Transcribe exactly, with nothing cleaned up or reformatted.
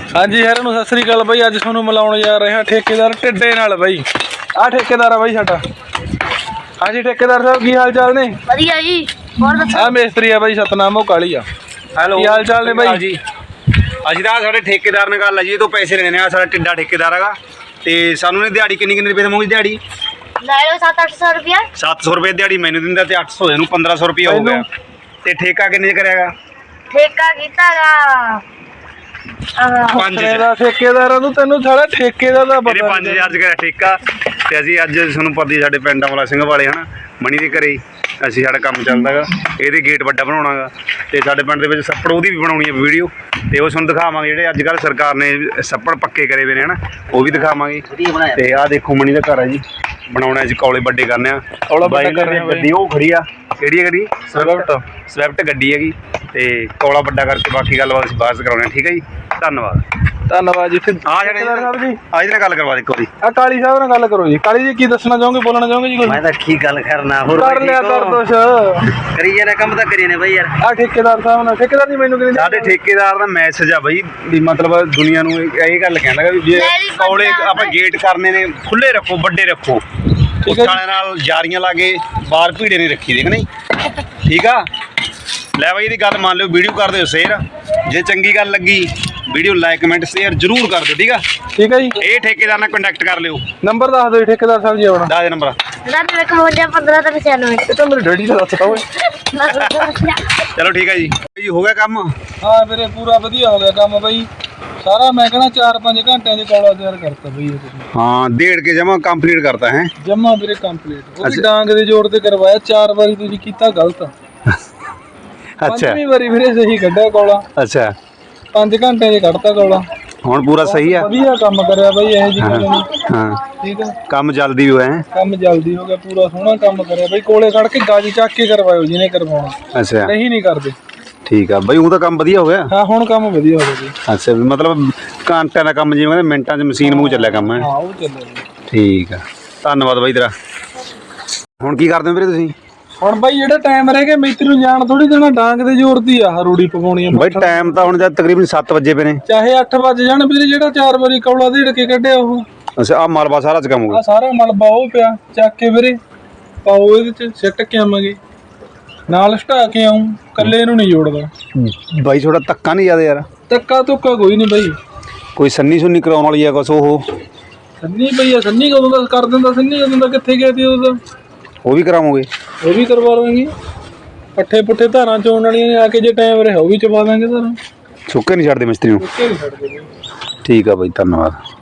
हाँ जी सारे नूं सत श्री अकाल बई। अज तुहानूं मिलाउण जा रहे हैं ठेकेदार टिड्डे नाल बई। आ ठेकेदार है बई साडा। हाँ जी ठेकेदार साहब की हाल चाल ने? वधिया जी। और दसो। आ मेस्तरी है बई सतनाम काली आ। हेलो की हाल चाल ने बई जी? असीं तां साडे ठेकेदार नाल गल है जी, तो पैसे लेने आ। साडा टिड्डा ठेकेदार हैगा ते सानूं ने दिहाड़ी किन्नी किन्नी रुपए देवोगे? दिहाड़ी ले लो सात अठ सौ रुपया। सत्त सौ रुपये दिहाड़ी मैनूं दिंदा ते अठ सौ इहनूं पंद्रह सौ रुपया हो गया। ते ठेका किन्ने च करेगा? ठेका कीतागा पांच ठेकेदार नूं तैनूं सारा ठेकेदार दा मेरे पता पांच हज़ार च कराया ठेका। ते असीं अज तुहानूं पता ही साडे पिंड वाला सिंह वाले हना मणी दे घरे असीं साडा काम चलदा गा। इहदे गेट वड्डा बनाउणा गा ते साडे पिंड दे विच सप्पड़ ओहदी भी बनाउणी है वीडियो ते ओह तुहानूं दिखावांगे। जिहड़े अजकल सरकार ने सप्पड़ पक्के करे वे ने हना ओह भी दिखावांगे। ते आ देखो मणी दा घर है जी, बनाउणा जी कौले वड्डे करने आ। कौला वड्डा कर रहे गड्डी ओह खड़ी आ, किहड़ी गड्डी? स्विफ्ट स्विफ्ट गड्डी हैगी ते कौला वड्डा करके बाकी गलबात असीं बाਅद च कराउने आ। ठीक है जी, धन्नवाद धन्नवाद जी। फिर आ ठेकेदार साहब जी आज नाल गल करवा दे कोई। आ काली साहब नाल गल करो जी। काली जी की दसना चाहोगे, बोलना चाहोगे जी? कुछ मैं तो ठीक गल करना हो कर लिया कर दोष करिए ना, कम तो करिए ने भाई यार। आ ठेकेदार साहब नाल ठेकेदार जी मैनूं किन्नी साडे ठेकेदार दा मैसेज आ बई भी मतलब दुनिया नूं ਇਹ ਗੱਲ ਕਹਿੰਦਾ ਵੀ ਜੇ ਕੌਲੇ ਆਪਾਂ ਗੇਟ ਕਰਨੇ ਨੇ ਖੁੱਲੇ ਰੱਖੋ, ਵੱਡੇ ਰੱਖੋ, ਉਸ ਵਾਲੇ ਨਾਲ ਜਾਰੀਆਂ ਲਾ ਕੇ ਬਾਹਰ ਭੀੜੇ ਨਹੀਂ ਰੱਖੀ ਦੇ ਕਿ ਨਹੀਂ। ਠੀਕ ਆ ਲੈ ਬਈ ਇਹਦੀ ਗੱਲ ਮੰਨ ਲਿਓ, ਵੀਡੀਓ ਕਰ ਦਿਓ ਸ਼ੇਅਰ। ਜੇ ਚੰਗੀ ਗੱਲ ਲੱਗੀ ਵੀਡੀਓ ਲਾਈਕ ਕਮੈਂਟ ਸ਼ੇਅਰ ਜ਼ਰੂਰ ਕਰ ਦਿਓ। ਠੀਕ ਆ ठीक है जी। ਇਹ ਠੇਕੇਦਾਰ ਨਾਲ ਕੰਟੈਕਟ ਕਰ ਲਿਓ। नंबर दस दो ठेकेदार साहब जी अपना। ਦੱਸ ਦੇ ਨੰਬਰ। नब्बे इकवंजा पंद्रह तक छियानवे। ये तो मेरे डैडी का दसता होए। ਚਲੋ ਠੀਕ ਹੈ ਜੀ। ਜੀ ਹੋ ਗਿਆ ਕੰਮ? हाँ मेरे पूरा वधिया हो गया काम बई। सारा मैं कहना चार पांच घंटे दी कौला तैयार करता बई। ਹਾਂ ਡੇਢ ਕੇ ਜਮਾ ਕੰਪਲੀਟ ਕਰਤਾ है। जमा मेरे कंप्लीट वो भी डांग दे जोड़ ते करवाया। चार बारी तुसी कीता गलत। अच्छा पंजवीं बारी फिर सही कड्ढिया कौला। अच्छा पांच घंटे दी कढता कौला। ਹੁਣ ਪੂਰਾ सही है। वधिया काम करया बई। ਇਹ जी गल नहीं। हाँ ठीक है ਕੰਮ ਜਲਦੀ ਹੋਇਆ ਹੈ। ਕੰਮ ਜਲਦੀ ਹੋ ਗਿਆ, ਪੂਰਾ ਸੋਹਣਾ ਕੰਮ ਕਰਿਆ ਬਈ। ਕੋਲੇ ਖੜ ਕੇ ਗਾਜੀ ਚੱਕ ਕੇ ਕਰਵਾਇਓ ਜਿਹਨੇ ਕਰਵਾਉਣਾ। ਅੱਛਾ ਨਹੀਂ ਨਹੀਂ ਕਰਦੇ। ਠੀਕ ਆ ਬਈ, ਉਹ ਤਾਂ ਕੰਮ ਵਧੀਆ ਹੋ ਗਿਆ। ਹਾਂ ਹੁਣ ਕੰਮ ਵਧੀਆ ਹੋ ਗਿਆ ਜੀ। ਅੱਛਾ ਵੀ ਮਤਲਬ ਘੰਟਿਆਂ ਦਾ ਕੰਮ, ਜਿਵੇਂ ਕਹਿੰਦੇ ਮਿੰਟਾਂ 'ਚ ਮਸ਼ੀਨ ਵਾਂਗੂ ਚੱਲਿਆ ਕੰਮ ਹੈ। ਹਾਂ ਉਹ ਚੱਲਿਆ। ਠੀਕ ਆ, ਧੰਨਵਾਦ ਬਾਈ ਤੇਰਾ। ਹੁਣ ਕੀ ਕਰਦੇ ਹੋ ਵੀਰੇ ਤੁਸੀਂ? ਹੁਣ ਬਾਈ ਜਿਹੜਾ ਟਾਈਮ ਰਹਿ ਗਿਆ ਮਿਸਤਰੀ ਨੂੰ ਜਾਣ ਥੋੜੀ ਦੇਣਾ। ਡਾਂਗ ਦੇ ਜ਼ੋਰ ਦੀ ਆ ਰੂੜੀ ਪਕਾਉਣੀ ਆ ਬਾਈ ਟਾਈਮ ਤਾਂ ਹੁਣ ਜਦ ਤਕਰੀਬਨ ਸੱਤ ਵਜੇ ਪਏ ਨੇ। ਚਾਹੇ ਅੱਠ ਵਜ ਜਾਣ ਵੀਰੇ। ਜਿਹੜਾ ਚਾਰ ਵਾਰੀ ਕੌਲਾ ਦੇੜ ਕੇ ਕੱਢਿਆ ਉਹ ਅੱਛਾ ਆ ਮਲਬਾ ਸਾਰਾ ਚ ਕੰਮ ਹੋ ਆ ਗਿਆ। ਸਾਰਾ ਮਲਬਾ ਉਹ ਪਿਆ ਚੱਕ ਕੇ ਵੀਰੇ ਪਾਓ ਇਹਦੇ ਚ ਸਿੱਟ ਕੇ ਆਵਾਂਗੇ ਨਾਲ ਸਟਾ ਕੇ ਆਉਂ। ਕੱਲੇ ਨੂੰ ਨਹੀਂ ਜੋੜਦਾ ਬਾਈ ਥੋੜਾ ਧੱਕਾ ਨਹੀਂ ਜ਼ਿਆਦਾ ਯਾਰ? ਧੱਕਾ ਧੁੱਕਾ ਕੋਈ ਨਹੀਂ ਬਾਈ। ਕੋਈ ਸੰਨੀ ਸੁੰਨੀ ਕਰਾਉਣ ਵਾਲੀ ਆ ਕੁਛ? ਉਹ ਸੰਨੀ ਪਈ ਆ। ਸੰਨੀ ਕਦੋਂ ਦਾ ਕਰ ਦਿੰਦਾ? ਸੰਨੀ ਕਦੋਂ ਦਾ ਕਿੱਥੇ ਗਿਆ ਤੀ ਉਹਦਾ? ਉਹ ਵੀ ਕਰਾਵੋਗੇ? ਉਹ ਵੀ ਕਰਵਾ ਲਵਾਂਗੇ। ਪੱਠੇ ਪੁੱਠੇ ਧਾਰਾਂ ਚੋਣ ਵਾਲੀਆਂ ਨੇ ਆ ਕੇ, ਜੇ ਟਾਈਮ ਰਿਹਾ ਉਹ ਵੀ ਚਵਾ ਦਾਂਗੇ ਧਾਰਾਂ। ਸੁੱਕੇ ਨਹੀਂ ਛੱਡਦੇ ਮਿਸਤਰੀ ਨੂੰ? ਸੁੱਕੇ ਨਹੀਂ ਛੱਡਦੇ। ਠੀਕ ਆ ਬਾਈ, ਧੰਨਵਾਦ।